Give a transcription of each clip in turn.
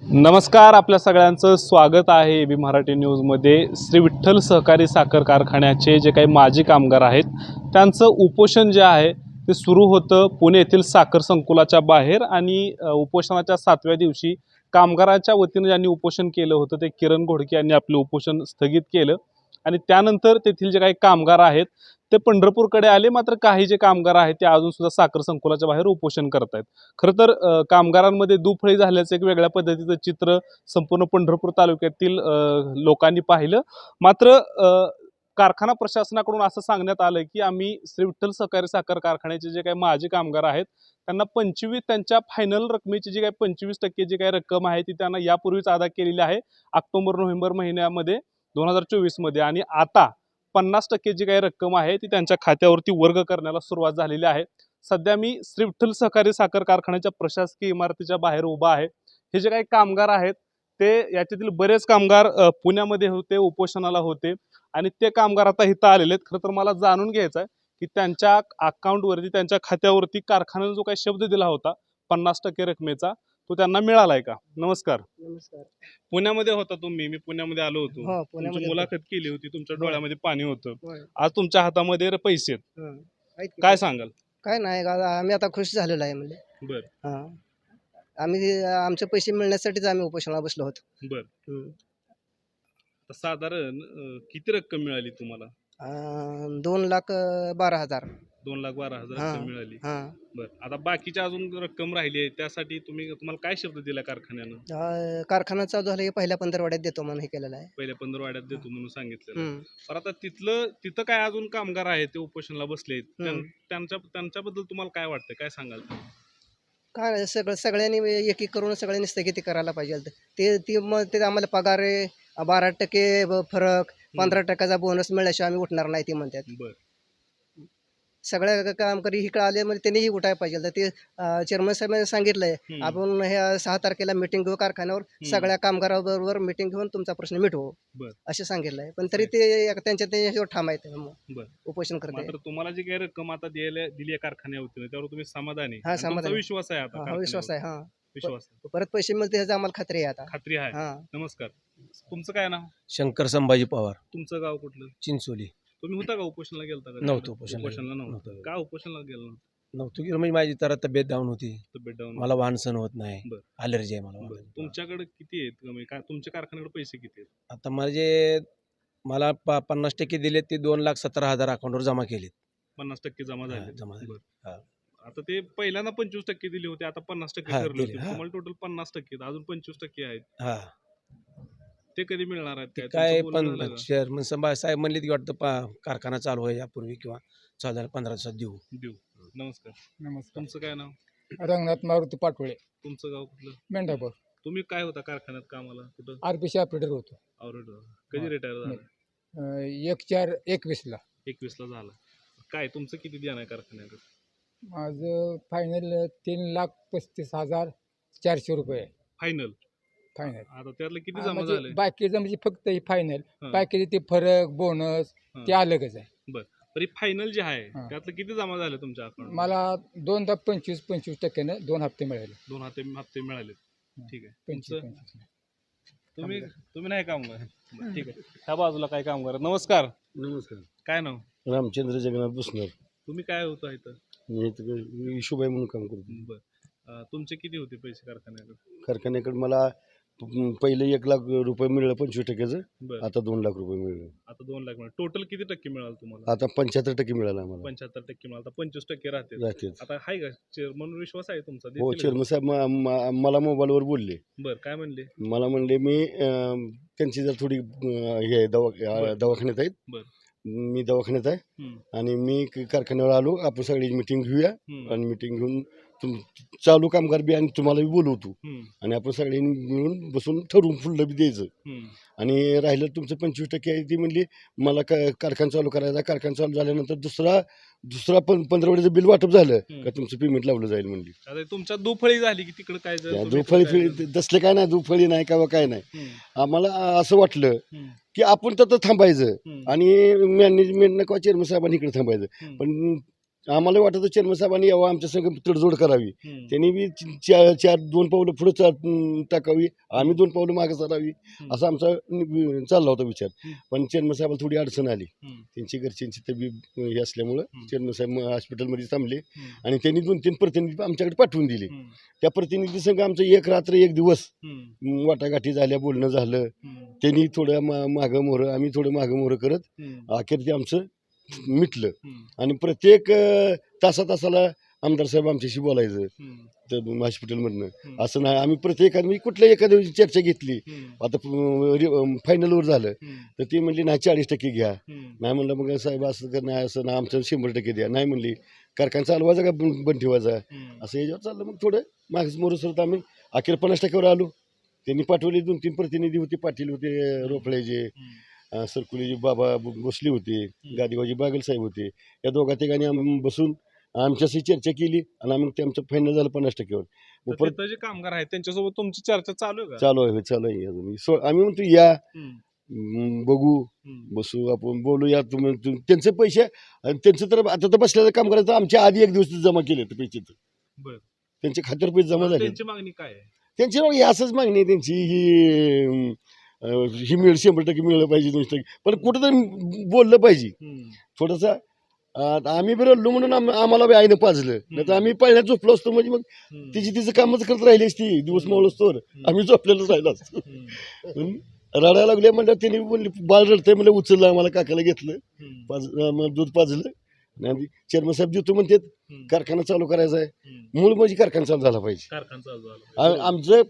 नमस्कार, आपल्या सगळ्यांचं स्वागत आहे एबी मराठी न्यूजमध्ये. श्री विठ्ठल सहकारी साखर कारखान्याचे जे काही माजी कामगार आहेत त्यांचं उपोषण जे आहे ते सुरू होतं पुणे येथील साखर संकुलाच्या बाहेर. आणि उपोषणाच्या 7व्या दिवशी कामगाराच्या वतीनं ज्यांनी उपोषण केलं होतं ते किरण घोडके यांनी आपलं उपोषण स्थगित केलं. आणि त्यानंतर तेथील जे काही कामगार आहेत ते पंढरपूरकडे आले. मात्र काही जे कामगार आहेत ते अजून सुद्धा साखर संकुलाच्या बाहेर उपोषण करत आहेत. खरं तर कामगारांमध्ये दुफळी झाल्याचं एक वेगळ्या पद्धतीचं चित्र संपूर्ण पंढरपूर तालुक्यातील लोकांनी पाहिलं. मात्र कारखाना प्रशासनाकडून असं सांगण्यात आलं की आम्ही श्री विठ्ठल सहकारी साखर कारखान्याचे जे काही माजी कामगार आहेत त्यांना 25 त्यांच्या फायनल रकमेची जी काही 25% जी काही रक्कम आहे ती त्यांना यापूर्वीच अदा केलेली आहे ऑक्टोबर-नोव्हेंबर महिन्यामध्ये 2024 मध्ये. आणि आता 50% जी काही रक्कम आहे ती त्यांच्या खात्यावरती वर्ग करण्याला सुरुवात झालेली आहे. सध्या मी श्री विठ्ठल सहकारी साखर कारखान्याच्या प्रशासकीय इमारतीच्या बाहेर उभा आहे. हे जे काही कामगार आहेत ते याच्यातील बरेच कामगार पुण्यामध्ये होते, उपोषणाला होते आणि ते कामगार आता इथं आलेले आहेत. खरं तर मला जाणून घ्यायचं आहे की त्यांच्या अकाउंटवरती, त्यांच्या खात्यावरती कारखान्याने जो काही शब्द दिला होता 50% रकमेचा तो त्यांना मिळालाय का? नमस्कार. नमस्कार. पुण्यामध्ये होता तुम्ही, मी पुण्यामध्ये आलो होतो. हो, तुमची पुण्यामध्ये मुलाखत केली होती, तुमच्या डोळ्यामध्ये पाणी होतं. होय. आज तुमच्या हातामध्ये पैसे आहेत. आहेत की काय सांगाल? काय नाही आम्ही आता खुश झालेलो आहे म्हणजे. बर हां. आम्ही आमचे पैसे मिळण्यासाठीच आम्ही उपोषणाला बसलो होतो. बर हं. आता साधारण किती रक्कम मिळाली तुम्हाला? 2,12,000. 2,12,000 हां. रक्कम मिळाली. हां. बर, आता बाकीची अजून रक्कम राहिली आहे त्यासाठी तुम्हाला काय शब्द दिला कारखान्यानं? कारखाना चालू झाला की पहिल्या पंधरवड्यात देतो म्हणून हे केलेलं आहे. पहिल्या 15 वाड्यात देतो म्हणून सांगितलेलं. हं. पण आता तिथं काय अजून कामगार आहेत ते उपोषणाला बसले, त्यांच्याबद्दल तुम्हाला काय वाटतं, काय सांगाल? काय नाही, सगळ्यांनी एक एक करून सगळ्यांनी स्थगिती करायला पाहिजे. मग ते आम्हाला पगार आहे 12% फरक, 15% बोनस मिळाल्याशिवाय आम्ही उठणार नाही ते म्हणतात. बर सगळ्या कामगारी इकडे आले म्हणजे त्यांनीही उठायला पाहिजे. तर ते चेअरमन साहेबांनी सांगितलंय आपण ह्या 6 तारखेला मिटिंग घेऊ कारखान्यावर, सगळ्या कामगाराबरोबर मिटिंग घेऊन तुमचा प्रश्न मिटवू बर असे सांगितलंय. पण तरी ते त्यांच्यावर ठाम आहेत, बर उपोषण करते. मात्र तुम्हाला जी काही रक्कम आता दिली आहे कारखान्यावरती त्यावर तुम्ही समाधानी? हा, आणि तुमचा समाधानी. विश्वास आहे आता? हा, विश्वास आहे. विश्वास आहे. परत पैसे मिळते ह्याची आम्हाला खात्री आहे आता. खात्री आहे. हा. नमस्कार, तुमचं काय नाव? शंकर संभाजी पवार, तुमचं गाव कुठलं? चिंचोली. तुम्ही होता का उपोषणाला गेलता का? नव्हतो उपोषणाला. उपोषणाला नव्हतं. नव्हतो. का उपोषणाला गेलो नव्हतं? नव्हतो की म्हणजे माझी जरा तब्येत डाऊन होती, तब्येत डाऊन? मला वाहन सहन होत नाही, बरं. अलर्जी आहे मला बरं, वाहनाची. तुमच्याकडे किती आहेत कमी? काय तुमच्या कारखान्याकडे पैसे किती आहेत? आता मला 50% दिले ते 2,17,000 अकाउंटवर जमा केलेत. 50% जमा हा, झाले. जमा झाले. बरं. हा. आता ते पहिल्यांदा 25% दिले होते, आता 50% हा, ठरले दिले. होते. हा. तुम्हाला टोटल 50% आहेत, अजून 25% आहेत. हा, ते कधी मिळणार आहेत? ते काय काय तुमचं बोलणं झालं पण का? चेअरमन साहेब म्हणले की वाटतं कारखाना चालू आहे यापूर्वी किंवा चालू झाला 15 दिवसात देऊ. देऊ. नमस्कार. नमस्कार. तुमचं काय नाव? रंगनाथ मारुती पाटोळे, तुमचं गाव कुठलं? मेंढापूर. तुम्ही काय होता कारखान्यात कामाला? कुठं? आरपीसी ऑपरेटर होतो. ऑर्डर. कधी हा. रिटायर झाला? 1/4/21 ला. 21 ला झाला. काय तुमचं किती द्यान आहे कारखान्याकडे? माझं फायनल 3,35,400 रुपये आहे. फायनल. फायनल आता त्यातलं किती जमा म्हणजे झाले? बाकीचं म्हणजे फक्त ही फायनल, हा. बाकीचे ते फरक बोनस हा. ते अलगच आहे. बरं, तरी फायनल जे आहे हा. त्यातलं किती जमा झाले तुमच्या अकाउंट? मला 2,25% 2 हप्ते मिळाले. 2 हप्ते मिळाले. ठीक आहे. 25. तुम्ही नाही काम करा. ठीक आहे. ह्या बाजूला काय काम करा? नमस्कार. नमस्कार. काय नाव? रामचंद्र जगन्नाथ बुसनर. तुम्ही काय होता इथं? मी इथं इशूबाई म्हणून काम करतो. बरं. तुमचे किती होते पैसे कारखान्याकडे? कारखान्याकडे मला पहिले 1,00,000 रुपये मिळलं 25%. बरं. आता 2,00,000 रुपये मिळलं. आता 2 लाख मिळाले. टोटल किती टक्के मिळाल तुम्हाला? आता 75% मिळालं आम्हाला. 75% मिळाल. आता 25% राहते. राहते. आता आहे का म्हणून विश्वास आहे तुमचा? हो, देतील का? चेअरमन साहेब मला मोबाईलवर बोलले. बरं, काय म्हणले? मला म्हणले मी त्यांची जर थोडी हे आहे, दवाखान्यात आहेत. बरं. मी दवाखान्यात आहे हम्म. आणि मी कारखान्यावर आलो, आपण सगळी मिटिंग घेऊया हम्म. आणि मिटिंग घेऊन चालू कामगार बी आणि तुम्हाला बी बोलवतो हम्म. आणि आपण सगळ्यांनी मिळून बसून ठरवून फुललं बी द्यायचं. हम्म. आणि राहिलं तुमचं 25% आहे ती म्हणली मला कारखाना चालू करायचा. कारखाना चालू झाल्यानंतर दुसरा 15 बिल वाटप झालं का तुमचं पेमेंट लावलं जाईल म्हणली. आता तुमच्या दुफळी झाली की तिकडे काय झालं? तुम्ही दुफळी काय झालं? तसले काय नाही, दुफळी नाही का काय नाही. हम्म. आम्हाला असं वाटलं हम्म. की आपण तर थांबायचं हम्म. आणि मॅनेजमेंट किंवा चेअरमन साहेबांनी इकडे थांबायचं. हम्म. पण आम्हाला वाटतं चेअरमन साहेबांनी यावं आमच्या संघ तडजोड करावी. हम्म. त्यांनी बी दोन पावलं पुढे टाकावी, आम्ही 2 पावलं मागे सरावी, असा आमचा चालला होता विचार. पण चेअरमन साहेबाला थोडी अडचण आली. हम्म. त्यांची घरच्यांची तब्येत हे असल्यामुळं चेअरमन साहेब हॉस्पिटलमध्ये थांबले हम्म. आणि त्यांनी 2-3 प्रतिनिधी आमच्याकडे पाठवून दिले. हम्म. त्या प्रतिनिधी संघ आमचं एक रात्र एक दिवस हम्म. वाटाघाटी झाल्या, बोलणं झालं. हम्म. त्यांनी थोडं मागं मोहरं, आम्ही थोडं मागं मोहरं करत हम्म. अखेर ते आमचं मिटलं. हम्म. आणि प्रत्येक तासाला आमदार साहेब आमच्याशी बोलायचं हम्म. तर हॉस्पिटलमधनं. हम्म. असं नाही, आम्ही प्रत्येकाने कुठल्या एखाद्या दिवशी चर्चा घेतली. हम्म. आता फायनलवर झालं हम्म. तर ती म्हणली नाही 40% घ्या. हम्म. नाही म्हणलं मग साहेब असं कर नाही, असं ना आमचं 100% द्या. नाही म्हणली कारखाना चालवायचा का बंद ठेवायचा, हम्म. असं याच्यावर चाललं. मग थोडं मागच मोरसरत आम्ही अखेर 50%वर आलो. त्यांनी पाठवले 2-3 प्रतिनिधी होते, पाटील होते, रोपळेचे, हम्म. सरकुलीचे बाबा बसले होते, गादीबाजी बागल साहेब होते. या दोघा तिघांनी आम्ही बसून आमच्याशी चर्चा केली आणि आम्ही ते आमचं फायनल झालं 50%वर. तर मग परत तिथं जे कामगार आहेत त्यांच्यासोबत तुमची चर्चा चालू आहे का? चालू आहे अजून. आम्ही म्हणतो या हम्म. बघू, हम्म. बसू, आपण बोलूया. त्यांचे पैसे आणि त्यांचं तर आता तर बसलेलं काम करायचं आमच्या आधी एक दिवस जमा केले ते पैसे, तर बरं. त्यांच्या खात्यावर पैसे जमा झाले. त्यांची मागणी काय आहे? त्यांची मग ही असंच मागणी आहे त्यांची, ही मिळेल 100% मिळलं पाहिजे, 200%. पण कुठंतरी बोललं पाहिजे हम्म. थोडंसं. आम्ही बी रडलो म्हणून आम्हाला बी आईनं पाजलं, नाही तर आम्ही पहिल्याच झोपलो असतो. म्हणजे मग हम्म. तिचं कामच करत राहिली असती दिवस मावळ असतो, आम्ही झोपलेलोच राहिलो असतो. हम्म. रडायला लागले म्हणलं, त्यांनी म्हणले बाळ रडतंय म्हणलं, उचललं आम्हाला, काकाला घेतलं, हम्म. मग दूध पाजलं. आणि चेअरमन साहेब देतो म्हणतात हम्म. कारखाना चालू करायचा आहे. हम्म. मूळ म्हणजे कारखाना चालू झाला पाहिजे. कारखाना चालू झाला. आमचं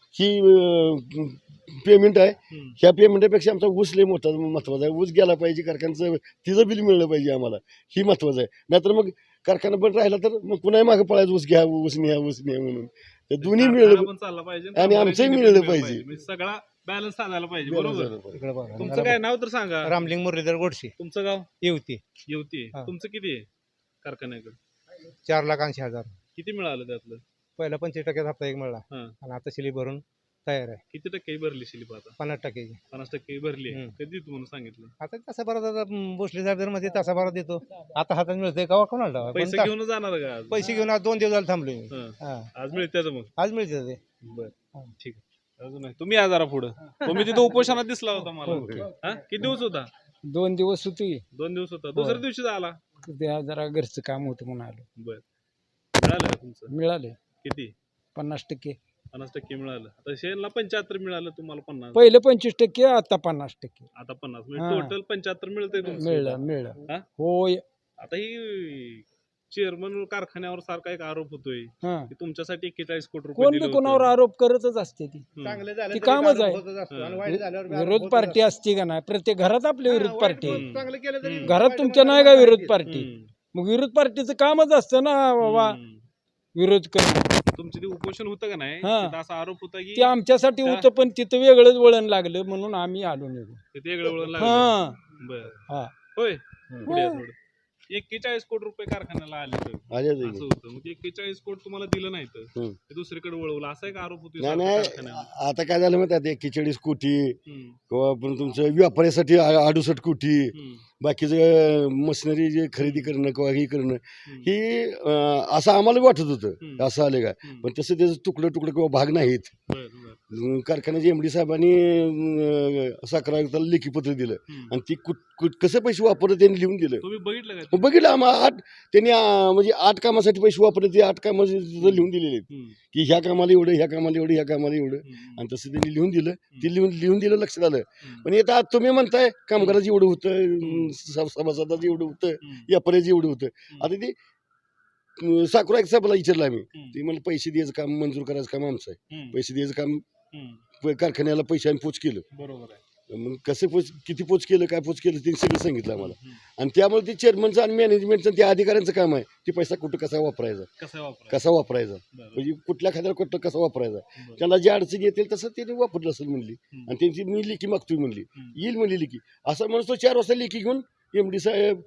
ही पेमेंट आहे, हम्म. ह्या पेमेंटापेक्षा आमचा ऊस लय मोठा महत्वाचा आहे. ऊस गेला पाहिजे कारखान्याचं, तिचं बिल मिळलं पाहिजे आम्हाला, ही महत्वाचं आहे. नाहीतर मग कारखाना बंद राहिला तर मग पुन्हा मागं पळायचं, ऊस घ्या, ऊस न्या म्हणून. ते दोन्ही कारखाना मिळलं पण चालला पाहिजे आणि आमचंही मिळलं पाहिजे. म्हणजे सगळा बॅलन्स साधायला पाहिजे. बरोबर. बरोबर. तुमचं काय नाव तर सांगा? रामलिंग मुरलीधर गोडसे तुमचं गाव? येवती. येवती. हा. तुमचं किती आहे कारखान्याकडे? 4,80,000. किती मिळालं त्यातलं? पहिला 25% हप्ता एक मिळाला हा. आणि आता शिली भरून तयार आहे. किती टक्के भरली शिल्प आता? 50%. 50% भरली आहे. हम्म. कधी तुम्हाला सांगितलं? आता तासाभरात आता भोसले साहेब मध्ये तासाभरात देतो. आता हातात मिळतंय का कोणाला पैसे पण घेऊन जाणार का आज? पैसे घेऊन आज 2 दिवस झाले थांबलोय मी. हा. हा. आज मिळते मग? आज मिळते ते. बर, ठीक आहे. अजून नाही. तुम्ही या जरा पुढं. तुम्ही तिथं उपोषणात दिसला होता मला. हा? किती दिवस होता? 2 दिवस होती. 2 दिवस होता. दुसऱ्या दिवशी आला? त्या जरा घरचं काम होतं म्हणून आलो. बर. मिळालं का तुमचं? मिळाले किती? 50%. 50% मिळालं. आता शेणला 75 मिळालं, तुम्हाला 50. पहिलं 25%, आता 50%. आता 50 म्हणजे हा. टोटल 75 मिळतंय तुमचं. मिळलं. हा? होय. आता ही चेअरमन कारखान्यावर सारखा एक आरोप होतोय हा. की तुमच्यासाठी 41 कोटी रुपये कोण दिले बी होते. कोणावर आरोप करतच असते ती. हम्म. चांगले झाले ती तरी कामच आरोप आहे. होतच असतो आणि हा. वाईट झाल्यावर बी आरोप विरोध होतच पार्टी असतो. असते का नाही, प्रत्येक घरात आपली विरोध हा, पार्टी. वाईट चांगलं केलं तरी घरात वाईट तुमच्या नाही का वाईट विरोध वाईट पार्टी? हम्म. मग विरोध पार्टीचं कामच असतं ना बाबा, हम्म. विरोध करणं. तुमचं ते उपोषण होतं का नाही, हा. तिथं असा आरोप होता की ते आमच्यासाठी त्या- होतं, पण तिथं वेगळंच वळण लागलं म्हणून आम्ही आलो निघून. तिथे वेगळं वळण लागलं. हा. बर. हा. होय. हम्म. पुढे या थोडं. 41 कोटी रुपये कारखान्याला आले तर आले असं होतं. मग 41 कोटी तुम्हाला दिलं नाही तर हम्म. ते दुसरीकडे वळवलं, असा एक आरोप होतो नाही कारखान्यावर. नाही, आता काय झालं माहिती आहे, 41 कोटी हम्म. किंवा पण तुमचं व्यापाऱ्यासाठी 68 कोटी, हम्म. बाकीचं मशिनरी जे खरेदी करणं किंवा हे करणं, हम्म. ही असं आम्हाला वाटत होतं हम्म. असं आले का. हम्म. पण तसं त्याचं तुकडं किंवा भाग नाहीत. बर, बर. कारखान्याचे एमडी साहेबांनी साखर आयुक्ताला लेखी पत्र दिलं हम्म. आणि ती कसे पैसे वापरले त्यांनी लिहून दिलं. तुम्ही बघितलं का ते? बघितलं आम्हाला त्यांनी म्हणजे 8 कामासाठी पैसे वापरले, ते 8 कामाचे लिहून दिलेले आहेत हम्म. की ह्या कामाला एवढं, ह्या कामाला एवढं, ह्या कामाला एवढं. हम्म. आणि तसं त्यांनी लिहून दिलं. ते लिहून दिलं, लक्षात आलं. हम्म. पण आता तुम्ही म्हणताय कामगाराचं एवढं होतं, सभासदाचं एवढं होतं, हम्म. व्यापाऱ्याचं एवढं होतं. हम्म. आता ते साखर आयुक्त साहेबाला विचारलं आम्ही, हम्म. ते मला पैसे द्यायचं काम, मंजूर करायचं काम आमचं आहे. हम्म. पैसे द्यायचं काम हम्म. कारखान्याला पैसे आम्ही पोच केलं. बरोबर आहे. मग कसं किती पोच केलं, काय पोच केलं, ते सगळं सांगितलं आम्हाला. हम्म. आणि त्यामुळे ते चेअरमनचं आणि मॅनेजमेंटचं त्या अधिकाऱ्यांचं काम आहे, ते पैसा कुठं कसा वापरायचा, कसं वापरायचं? कसा वापरायचा, बरं. म्हणजे कुठल्या खात्याला कुठं कसा वापरायचा. बरं. त्याला जी अडचणी येतील तसं त्यांनी वापरलं असेल म्हणली. हम्म. आणि त्यांची मी लेखी मागतोय म्हणली, हम्म. येईल म्हणली लेखी. असं म्हणून तो 4 वाजता लेखी घेऊन एमडी साहेब,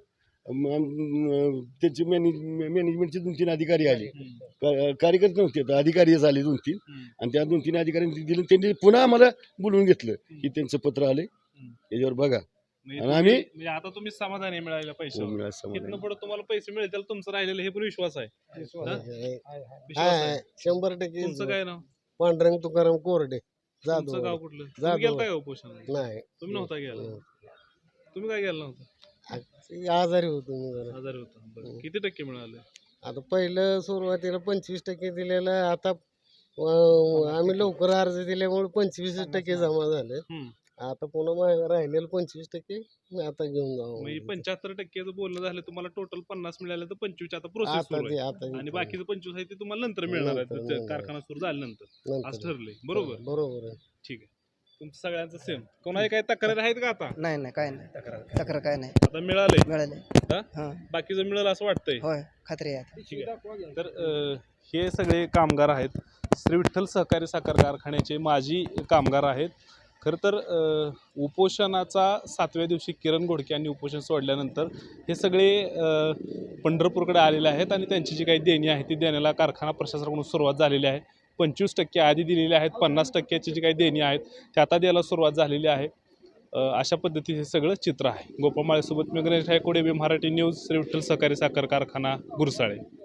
त्यांचे मॅनेजमेंटचे 2-3 अधिकारी आले. हम्म. कार्यकर्ते नव्हते, तर अधिकारीच आले 2-3. हम्म. आणि त्या 2-3 अधिकाऱ्यांनी दिलं. त्यांनी पुन्हा आम्हाला बोलवून घेतलं की त्यांचं पत्र आले, हम्म. याच्यावर बघा. म्हणजे आणि आम्ही- म्हणजे आता तुम्ही समाधानी मिळालेल्या पैशावर मिळालं समाधान. इथनं पुढे तुम्हाला पैसे मिळतील तुमचं राहिलेलं हे पण विश्वास आहे विश्वास हा? आहे. विश्वास आहे 100% तुमचं काय नाव पांडुरंग तुकाराम कोरडे तुमचं गाव कुठलं तुम्ही जाधव. गेलता का उपोषण नाही तुम्ही नव्हता गेला तुम्ही काय गेला नव्हता आजारी होतो मी जरा. आजारी होता बरं. किती टक्के मिळाले आता पहिलं सुरुवातीला 25% दिलेलं आहे. आता आम्ही लवकर अर्ज दिल्यामुळे 25% जमा झाले. हम्म. आता पुन्हा मागे राहिलेलं 25% मी आता घेऊन म्हणजे जाऊ 75% बोलणं झालं तुम्हाला टोटल 50 मिळालं तर 25 आता प्रोसेस आता सुरू ते आहे आता आणि बाकीचं 25 आहे ते तुम्हाला नंतर मिळणार आहे नंतर ते मिळणार. कारखाना सुरू झाल्यानंतर नंतर. असं ठरलंय बरोबर बरोबर आहे. ठीक आहे तुमचं सगळ्यांचं सेम कोणाही काही तक्रारी आहेत का आता नाही नाही काय नाही तक्रार काय नाही आता मिळालंय मिळाले हा? हां बाकीचं मिळालं असं वाटतंय होय खात्री आहे ठीक आहे तर हे सगळे कामगार आहेत श्री विठ्ठल सहकारी साखर कारखान्याचे माजी कामगार आहेत खरं तर उपोषणाचा 7व्या दिवशी किरण घोडके यांनी उपोषण सोडल्यानंतर हे सगळे पंढरपूरकडे आलेले आहेत आणि त्यांची जी काही देणी आहे ती देण्याला कारखाना प्रशासनाकडून सुरुवात झालेली आहे 25% आधी दिलेली आहेत 50%ची जी काही देणी आहेत ते आता द्यायला सुरुवात झालेली आहे अशा पद्धतीचे सगळं चित्र आहे गोपाळ माळेसोबत मी गणेश ठायकोडे मराठी न्यूज श्री विठ्ठल सहकारी साखर कारखाना गुरसाळे